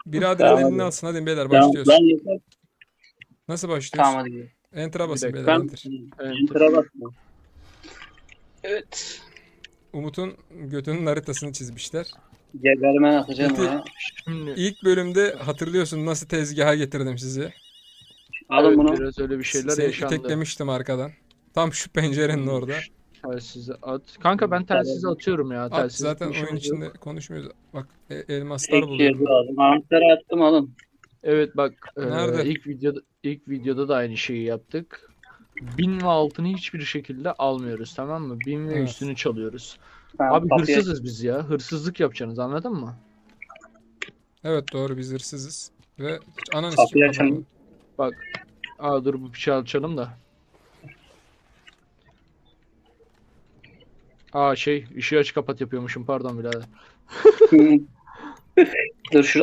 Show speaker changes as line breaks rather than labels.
Biraderin
Tamam
elini
hadi.
alsın. Hadi beyler
Tamam
başlıyoruz.
lan yeter.
Nasıl
Tamam
başlıyoruz?
hadi gidelim.
Enter'a
Bir
basın
dakika.
beyler,
Ben
enter.
enter'a bastım.
Evet.
Umut'un götünün haritasını çizmişler.
Gebermen atacağım
Peki,
ya.
Şimdi
İlk bölümde hatırlıyorsun nasıl tezgaha getirdim sizi.
Alın
evet,
bunu.
biraz öyle bir şeyler
Seni
yaşandı.
iteklemiştim arkadan. Tam şu pencerenin orada.
Telsizi at. Kanka ben telsizi atıyorum ya.
At,
Telsiz
zaten oyun
işimiz
içinde
yok.
konuşmuyoruz. Bak elmaslar
Tek
buluyorum.
şey lazım. Anahtarı attım alın.
Evet bak
Nerede?
ilk videoda da aynı şeyi yaptık. 1000 ve altını hiçbir şekilde almıyoruz, tamam mı? 1000 ve
Evet.
üstünü çalıyoruz.
Tamam,
Abi
kapıyı-
hırsızız biz ya. Hırsızlık yapacaksınız, anladın mı?
Evet doğru, biz hırsızız. Ve hiç ananı
Kapıyı
sikeyim
açalım.
kapatamadım.
Bak. Aa dur, bu bıçağı açalım da. Aa ışığı aç kapat yapıyormuşum, pardon birader.
Dur şurada